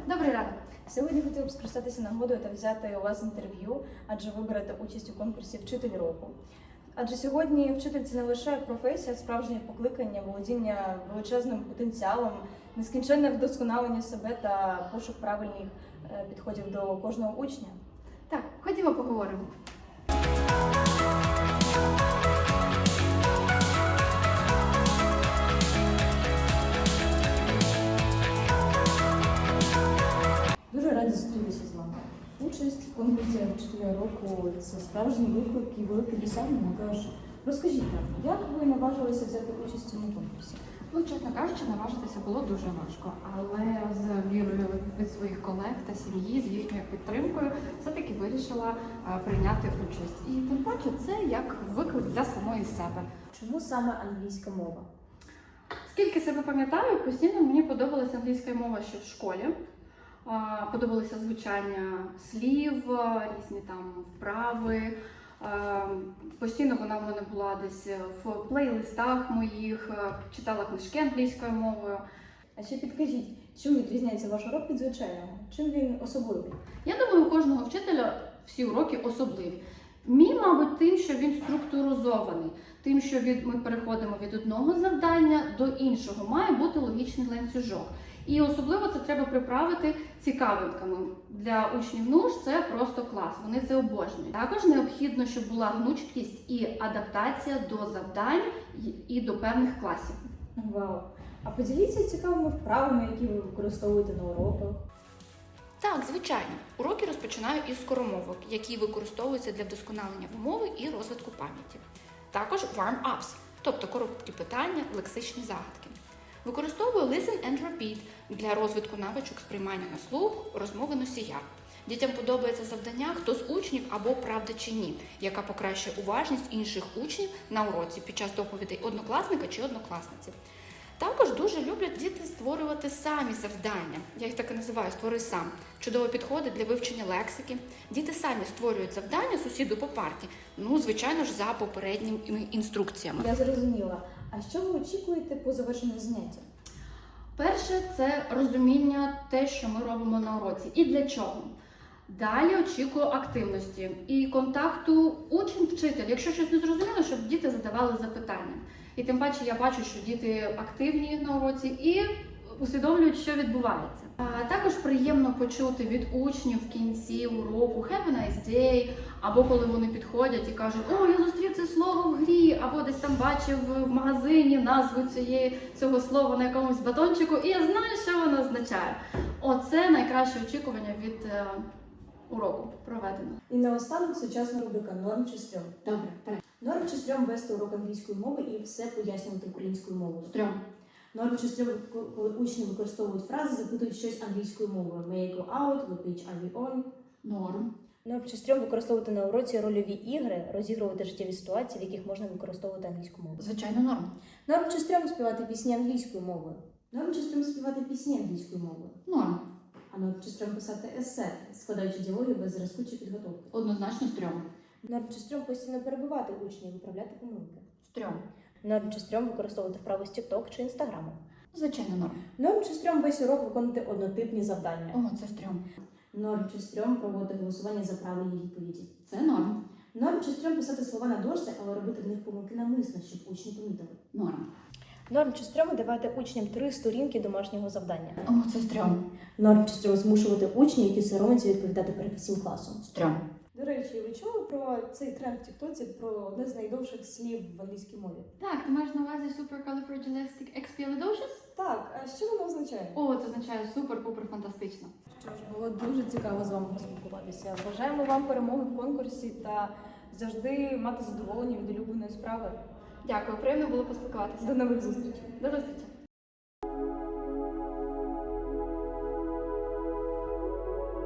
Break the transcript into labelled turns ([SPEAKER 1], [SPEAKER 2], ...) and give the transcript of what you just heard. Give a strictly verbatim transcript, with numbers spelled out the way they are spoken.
[SPEAKER 1] Добрий ранок.
[SPEAKER 2] Сьогодні хотіла б скористатися нагодою та взяти у вас інтерв'ю, адже ви берете участь у конкурсі «Вчитель року». Адже сьогодні вчитель – це не лише професія, справжнє покликання, володіння величезним потенціалом, нескінченне вдосконалення себе та пошук правильних е, підходів до кожного учня.
[SPEAKER 1] Так, ходімо поговоримо.
[SPEAKER 2] Дуже раді зустрітися з вами. Участь в конкурсі «Вчителя року» – це справжній виклик і велике досягнення. Тож розкажіть нам, як ви наважилися взяти участь у цьому конкурсі?
[SPEAKER 1] Ну, чесно кажучи, наважитися було дуже важко, але з вірою від своїх колег та сім'ї, з їхньою підтримкою, все-таки вирішила а, прийняти участь. І тим паче це як виклик для самої себе.
[SPEAKER 2] Чому саме англійська мова?
[SPEAKER 1] Скільки себе пам'ятаю, постійно мені подобалася англійська мова ще в школі. А, Подобалося звучання слів, різні там вправи. Постійно вона в мене була десь в плейлистах моїх, читала книжки англійською мовою.
[SPEAKER 2] А ще підкажіть, чим відрізняється ваш урок від звичайного? Чим він особливий?
[SPEAKER 1] Я думаю, у кожного вчителя всі уроки особливі. Мій, мабуть, тим, що він структуризований, тим, що від, ми переходимо від одного завдання до іншого. Має бути логічний ланцюжок. І особливо це треба приправити цікавинками. Для учнів НУШ це просто клас, вони це обожнюють. Також необхідно, щоб була гнучкість і адаптація до завдань і до певних класів.
[SPEAKER 2] Вау! А поділіться цікавими вправами, які ви використовуєте на уроках.
[SPEAKER 3] Так, звичайно. Уроки розпочинаю із скоромовок, які використовуються для вдосконалення вимови і розвитку пам'яті. Також warm-ups, тобто короткі питання, лексичні загадки. Використовую listen and repeat для розвитку навичок сприймання на слух, розмови носія. Дітям подобається завдання «Хто з учнів» або «Правда чи ні», яка покращує уважність інших учнів на уроці під час доповідей однокласника чи однокласниці. Також дуже люблять діти створювати самі завдання. Я їх так і називаю «створи сам». Чудово підходить для вивчення лексики. Діти самі створюють завдання сусіду по парті, ну, звичайно ж, за попередніми інструкціями.
[SPEAKER 2] Я зрозуміла. А що ви очікуєте по завершенню заняття?
[SPEAKER 1] Перше – це розуміння те, що ми робимо на уроці і для чого. Далі очікую активності і контакту учень-вчитель. Якщо щось не зрозуміло, щоб діти задавали запитання. І тим паче я бачу, що діти активні на уроці і усвідомлюють, що відбувається. А також приємно почути від учнів в кінці уроку «Have a nice day», або коли вони підходять і кажуть «О, я зустрів це слово в грі», або десь там бачив в магазині назву цієї, цього слова на якомусь батончику, і я знаю, що воно означає. Оце найкраще очікування від е, уроку проведено.
[SPEAKER 2] І наостанок сучасна рубрика «Норм чи стрьом».
[SPEAKER 1] Добре, вперед.
[SPEAKER 2] Норм чи стрьом вести урок англійської мови і все пояснювати українською мовою.
[SPEAKER 1] Стрьом.
[SPEAKER 2] Норм чи стрьом, коли учні використовують фрази, запитують щось англійською мовою. May I go out? What page are we on?
[SPEAKER 1] Норм.
[SPEAKER 2] Норм чи стрьом використовувати на уроці рольові ігри, розігрувати життєві ситуації, в яких можна використовувати англійську мову.
[SPEAKER 1] Звичайно, норм.
[SPEAKER 2] Норм чи стрьом співати пісні англійською мовою. Норм чи стрьом співати пісні англійською мовою.
[SPEAKER 1] Норм.
[SPEAKER 2] А норм чи стрьом писати есе, складаючи діалоги без зразку чи підготовки.
[SPEAKER 1] Однозначно стрьом.
[SPEAKER 2] Норм чи стрьом постійно перебивати учнів і виправляти помилки.
[SPEAKER 1] Стрьом.
[SPEAKER 2] Норм чи стрьом використовувати вправи з TikTok чи Instagram.
[SPEAKER 1] Звичайно, норм.
[SPEAKER 2] Норм чи стрьом весь урок виконувати однотипні завдання.
[SPEAKER 1] О, це стрьом.
[SPEAKER 2] Норм чи стрьом проводити голосування за правильні відповіді.
[SPEAKER 1] Це норм.
[SPEAKER 2] Норм чи стрьом писати слова на дошці, але робити в них помилки навмисно, щоб учні помітили.
[SPEAKER 1] Норм.
[SPEAKER 2] Норм чи стрьом давати учням три сторінки домашнього завдання.
[SPEAKER 1] О, це стрьом.
[SPEAKER 2] Норм чи стрьом змушувати учнів, які соромляться відповідати перед всім класом.
[SPEAKER 1] Стрьом.
[SPEAKER 2] До речі, ви чули про цей тренд в Тіктоці, про одне з найдовших слів в англійській мові?
[SPEAKER 1] Так, ти маєш на увазі supercalifragilisticexpialidocious?
[SPEAKER 2] Так, а що воно означає?
[SPEAKER 1] О, це означає супер-пупер фантастично.
[SPEAKER 2] Що ж, було дуже цікаво з вами поспілкуватися. Бажаємо вам перемоги в конкурсі та завжди мати задоволення від улюбленої справи.
[SPEAKER 1] Дякую, приємно було поспілкуватися.
[SPEAKER 2] До нових зустрічей!
[SPEAKER 1] До зустрічі.